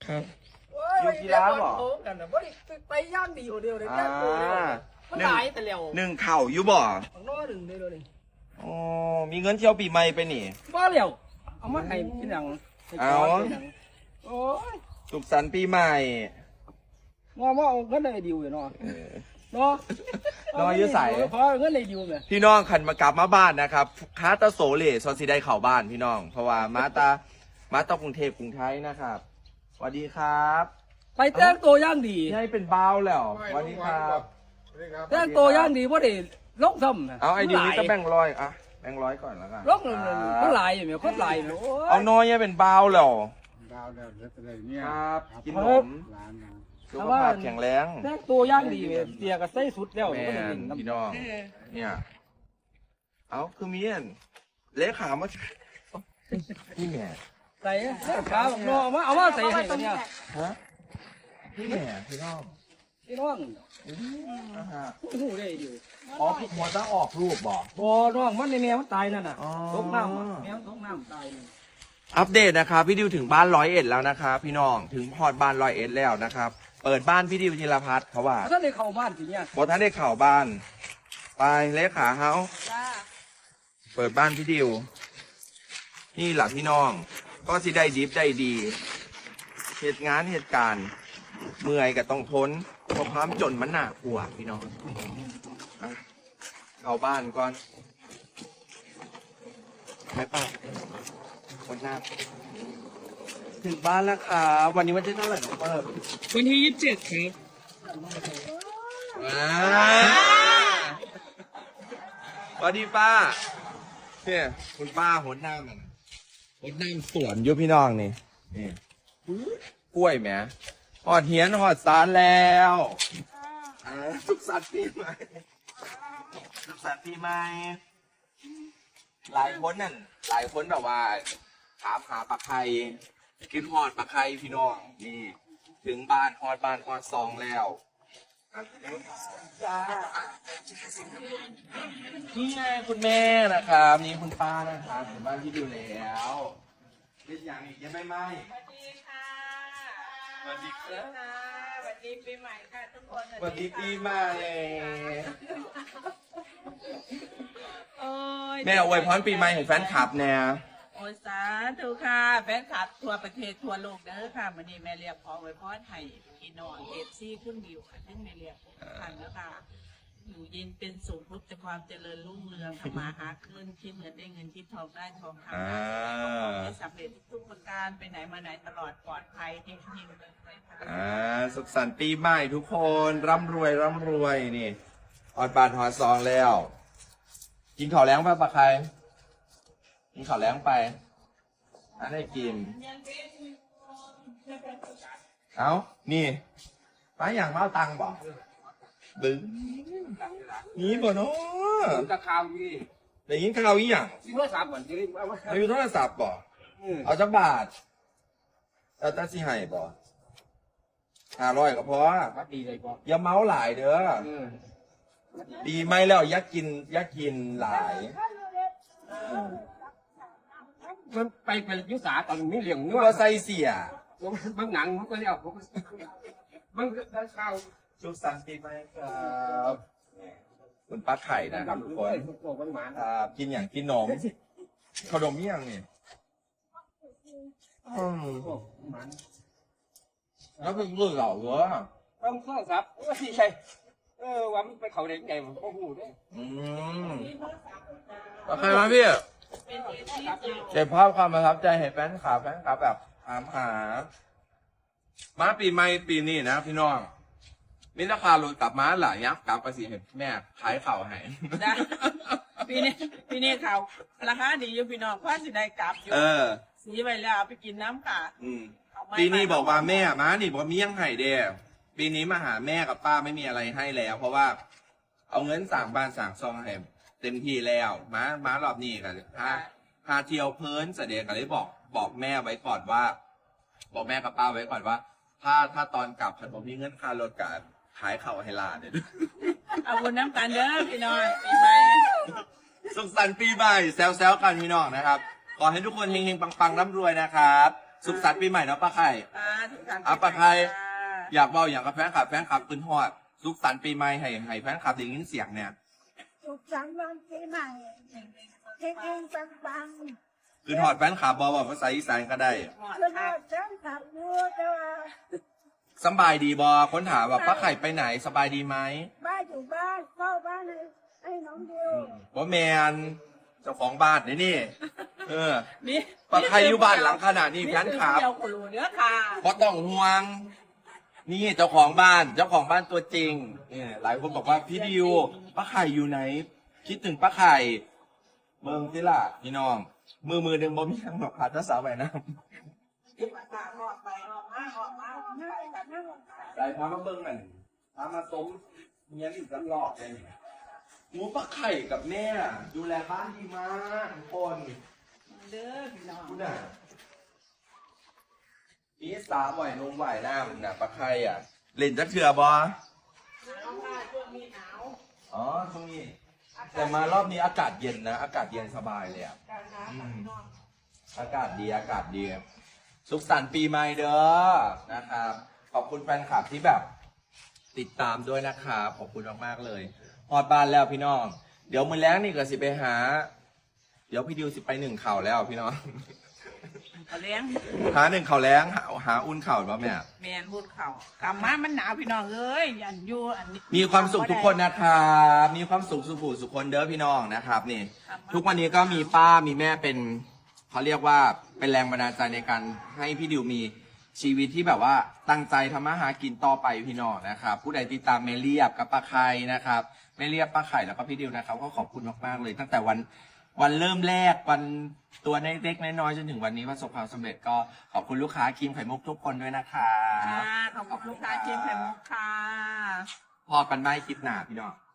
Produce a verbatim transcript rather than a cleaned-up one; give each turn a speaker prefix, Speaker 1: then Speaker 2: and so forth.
Speaker 1: ครับ
Speaker 2: อยู่กีฬาบ่กันนะบ่ได้ไปย่างดีอยู่เดียวเลยย่างตัวเดียวมันหลายแต่เร็ว
Speaker 1: หนึ่งเข่าอยู่บ่
Speaker 2: ของน้อหนึ่งได้เลย
Speaker 1: อ๋อมีเงินเที่ยวปีใหม่ไปนี่
Speaker 2: บ่เร็วเอามาให้พี่หนัง
Speaker 1: เอา
Speaker 2: โอ้ย
Speaker 1: สุขสันต์ปีใหม่
Speaker 2: งอมาเอาเงินได้ดิวอยู่เนาะ
Speaker 1: เออ
Speaker 2: เนาะ
Speaker 1: น้อยอยู่ใส่
Speaker 2: พอเงินได้ดิวเนี่ย
Speaker 1: พี่น้องขันมากลับมาบ้านนะครับคาตาโสเลซอนซีได้เข่าบ้านพี่น้อง เพราะว่ามาตามาตากรุงเทพกรุงไทยนะครับสวัสดีครับ
Speaker 2: ไปแต่งตัวย่างดี
Speaker 1: ให้เป็นบ้าวแล้วสวัสดีครับ
Speaker 2: แต่งตัวย่างดีบ่ได้ลงซ้ำ
Speaker 1: เอาไอเดียนี้จะแบ่งร้อยอะแบ่งร้อยก่อนแล้วกัน
Speaker 2: ลงเลยมันหลายอยู่เนี่ยคนหลายอยู่โอ้ย
Speaker 1: เอาน้อยให้เป็นบ้าวแล้ว
Speaker 3: ดาวเดือดอะไรเนี่ย
Speaker 1: ครับกินขนม
Speaker 3: ร้านนะ
Speaker 1: สุขภาพแข็งแรง
Speaker 2: แต่งตัวย่างดีเนี่ยเตียก็ใส่สุดแล้ว
Speaker 1: แม่
Speaker 2: บ่ได้กิน
Speaker 1: น
Speaker 2: น้ำ
Speaker 1: พี่น้องเนี่ย เอาคือเมียนเลขามาพี่แม่
Speaker 2: ใส่เสื้อขาวเนาะเอามาเอามาใส่ให้กันเนี่ย
Speaker 1: ฮะพี่แม่พี่น้อง
Speaker 2: พี่น้อง
Speaker 1: อื้อฮะ
Speaker 2: หูได้ดิว
Speaker 1: อ๋อพี่หัวต้องออกรูปบอก
Speaker 2: บ่น้องมันในแมวมันตายนั่นน่ะ
Speaker 1: อ๋อ
Speaker 2: ตกน้ำอะแมวตกน้ำตายนี่
Speaker 1: อัปเดตนะครับพี่ดิวถึงบ้านร้อยเอ็ดแล้วนะครับพี่น้องถึงพอดบ้านร้อยเอ็ดแล้วนะครับ เปิดบ้านพี่ดิวธีรพัฒน์เขาว่า
Speaker 2: ถ้าได้เข้าบ้านสิเนี่ย
Speaker 1: บอท่านได้ข่าวบ้าน ไปเลขาเฮา
Speaker 2: จ้า
Speaker 1: เปิดบ้านพี่ดิว นี่แหละพี่น้อง ก็สิได้ดิฟได้ดี เหตุงานเหตุการณ์เมื่อยก็ต้องทนเพราะความจนมันหนักกว่าพี่น้องเอาเอาบ้านก่อนไม่ป่ะคนหน้าถึงบ้านแล้วครับวันนี้วันที่เท่าไหร่น้องเปิ้ล
Speaker 2: วันที่ยี่สิบเจ็ดครับ
Speaker 1: อ่าสวัสดีป้าเนี่ยคุณป้าหดน้ำมันหดน้ำสวนอยุพี่น้องนี่นี่กล้วยแหมหอดเหียนหอดสารแล้วอ่าสุขสันต์ปีใหม่สุขสันต์ปีใหม่หลายคนนั่นหลายคนแบบว่าถามหาปลาไข่กินหอดปลาไข่พี่น้องนี่ ถึงบ้านหอดบ้านหอดซองแล้วนี่ไงคุณแม่นะครับนี่คุณป้านะครับถึงบ้านที่ดูแล้วเป็นอย่างอีกยังไม่ไหม
Speaker 4: สวัสดีค่ะ
Speaker 1: สวัสดีครับ
Speaker 4: ค่ะสวัสดีปีใหม่ค่ะทุกคน
Speaker 1: สวัสดีปีใหม่
Speaker 4: โอ้ย
Speaker 1: แม่อวยพรปีใหม่ให้แฟนคลับแน่
Speaker 4: โอ้ยสาธุค่ะ แฟนคลับทั่วประเทศทั่วโลกเด้อค่ะวันนี้แม่เรียกขออวยพรให้พี่น้องเอฟซีคุณบิวค่ะซึ่งแม่เรียกทุกท่านนะคะอยู่เย็นเป็นสุขพบแต่ความเจริญรุ่งเรืองทำมาหาเงินคิดเงินได้เงินคิดทองได้ทองคำ
Speaker 1: อ่า
Speaker 4: ได้ให้สำเร็จทุกประการไปไหนมาไหนตลอดปลอดภัยเฮงเฮงเลยค่ะ
Speaker 1: อ่าสุขสันต์ปีใหม่ทุกคนร่ำรวยร่ำรวยนี่ออดบานหอดซองแล้ว กินข้าวแล้งป่ะปะใครกินข้าวแล้งไปอันได้กิน เอานี่ป้าอย่างมาเอาตังค์บอกบึ้งนี่บ่เนาะ
Speaker 2: ตะขาวนี่
Speaker 1: ได้ยินข่าวอีหยัง
Speaker 2: สิเมื่อสามวันจะได้เอามา
Speaker 1: เอาอยู่โทรศัพท์บ่เอาจักบาทเอาแตาสิให้บ่ห้าร้อยก็พอ
Speaker 2: พักดีเลยป่ะ
Speaker 1: อย่าเมาหลายเด้อปีไม่แล้วอยักกินอยักกินหลาย
Speaker 2: มันไปเป็นยุสาตอนนี้เลี้ยง
Speaker 1: นึ
Speaker 2: เนื้
Speaker 1: ก
Speaker 2: อ
Speaker 1: ว่าใส่เสีย
Speaker 2: บางหนังมันก็เรียกผมบางได้ข้าว
Speaker 1: สุขสันต์ปีใหม่ครับคุณป้าไข่นะครับทุกคน
Speaker 2: โอ้บางหมา
Speaker 1: อ่ากินอย่างกินนมขนมอิหยังนี่อืม
Speaker 2: โอ้หมา
Speaker 1: แล้วเป็นเรื่องเหล่าเหรอ
Speaker 2: ต้องข้าวซับว่าที่ใช่เออว่ามันไปเขาเด็กใหญ่ผมก็หูด้วย
Speaker 1: อืมแล้วใครมาพี่เก็บภาพความประทับใจให้แฟนคลับแฟนคลับแบบถามหา มาปีใหม่ปีนี้นะพี่น้องมิราคาลดกลับมาหลายยักษ์กลับไปสิเห็นแม่ขายเข่าให้
Speaker 4: ได้ปีนี้ปีนี้เขาราคาดีอยู่พี่น้องพ่อสิได้กลับอยู่
Speaker 1: เออ
Speaker 4: สีไปแล้วเอาไปกินน้ำค่ะ
Speaker 1: อืม
Speaker 4: เอาไม้
Speaker 1: ปีนี้บอกว่าแม่มานี่บอกมียังไห้เด้ปีนี้มาหาแม่กับป้าไม่มีอะไรให้แล้ว เพราะว่า เอาเงินสั่งบ้านสั่งซองให้เต็มที่แล้วมามารอบนี้กันพาพาเที่ยวเพลินเสด็จกันเลยบอก บอกแม่ไว้ก่อนว่า บอกแม่กับป้าไว้ก่อนว่า ถ้าถ้าตอนกลับฉันบอกมีเงินค่ารถกับขายเข่าให้หลานเนี่ย
Speaker 4: เอาบุญน้ำกันเด้อพี่น้อยปีใหม่
Speaker 1: สุขสันต์ปีใหม่แซวๆกันพี่น้องนะครับ ขอให้ทุกคนเฮงๆปังๆร่ำรวยนะครับสุขสันต์ปีใหม่เนาะป้าไข่
Speaker 4: อ่าทุกท่าน
Speaker 1: อ่ะปะใคร อยากเบาอย่างกับแฟนคลับแฟนคลับปืนฮอดสุขสันต์ปีใหม่ให้ให้แฟนคลับได้ยินเสียงเนี่ย
Speaker 2: สุขสันต์วันปีใหม่เฮงๆปัง
Speaker 1: ปืนฮอดแฟนคลับบอกว่าภาษาอีสานก็ได้
Speaker 2: ๆคือว่าฉันขับรถแต่ว่า
Speaker 1: สำบายดีบอคนถามว่าป้าไข่ไปไหนสบายดีไหม
Speaker 2: บ้านอยู่บ้านเฝ้าบ้านให้ให้น้องดิว
Speaker 1: ว่าแมนเจ้าของบ้านนี่นี่ เออ
Speaker 4: มี
Speaker 1: ป้าไข่อยู่บ้านหลังขนาดนี้แฟนคลับ
Speaker 4: เดียวคนรู้เนื้อค่ะ
Speaker 1: เพราะต้องห่วง นี่เจ้าของบ้านเจ้าของบ้านตัวจริงเนี่ยหลายคนบอกว่าพี่ดิวป้าไข่อยู่ไหน คิดถึงป้าไข่เมืองที่ล่ะพี่น้อง มือมือหนึ่งบ่มีทางหรอกขาดภาษาแบบนั้น
Speaker 4: ออกไปออกมาออกมา
Speaker 2: นั่งนั่ง
Speaker 1: ใส่พามาเบิ้งหน่อยพามาต้มเงี้ยอีกกันหลอกเลยหมูปลาไข่กับแม่ดูแลบ้านดีมากทุกคน
Speaker 4: เด้อพี่น้อง
Speaker 1: คุณน่ะมีสาบ่อยลงบ่อยหน้ามึงน่ะปลาไข่อ่ะ เล่นจักเถื่อบอ
Speaker 4: น้องค่ะช่วงนี้หนาว
Speaker 1: อ๋อช่วงนี้แต่มารอบนี้อากาศเย็นนะอากาศเย็นสบายเลยอ่ะ
Speaker 4: การหาค่ะพี่น้อง
Speaker 1: อากาศดีอากาศดีสุขสันต์ปีใหม่เด้อนะครับ ขอบคุณแฟนคลับที่แบบ ติดตามด้วยนะครับขอบคุณมากๆเลยฮอดบ้านแล้วพี่น้อง เดี๋ยวมือแล้งนี่ก็สิไปหา เดี๋ยวพี่ดิวสิไปหนึ่งเข่าแล้วพี่น้อง
Speaker 4: เอาเลี้ยง
Speaker 1: หาหนึ่งเข่าแล้งหาหาอุ่นเข่าป่ะแม่
Speaker 4: แมนพูดเขากลับมามันหนาวพี่น้องเอ้ยยันอยู่อันนี้
Speaker 1: มีความสุขทุกคนนะครับมีความสุขสุขสุขคนเด้อพี่น้องนะครับนี่ ทุกวันนี้ก็มีป้ามีแม่เป็นเขาเรียกว่าเป็นแรงบันดาลใจในการให้พี่ดิวมีชีวิตที่แบบว่าตั้งใจทำมาหากินต่อไปพี่น้องนะครับผู้ใดติดตามเมเรียบกับป้าไข่นะครับเมเรียบป้าไข่แล้วก็พี่ดิวนะครับก็ขอบคุณมากๆเลย ตั้งแต่วันวันเริ่มแรกวันตัวเล็กๆน้อยๆจนถึงวันนี้ประสบความสำเร็จก็ขอบคุณลูกค้าครีมไข่มุกทุกคนด้วยนะคะ
Speaker 4: ค่ะขอบคุณลูกค้าเจมส์ไข่มุกค่ะ
Speaker 1: พอกันไหมคลิปหน้าพี่น้อง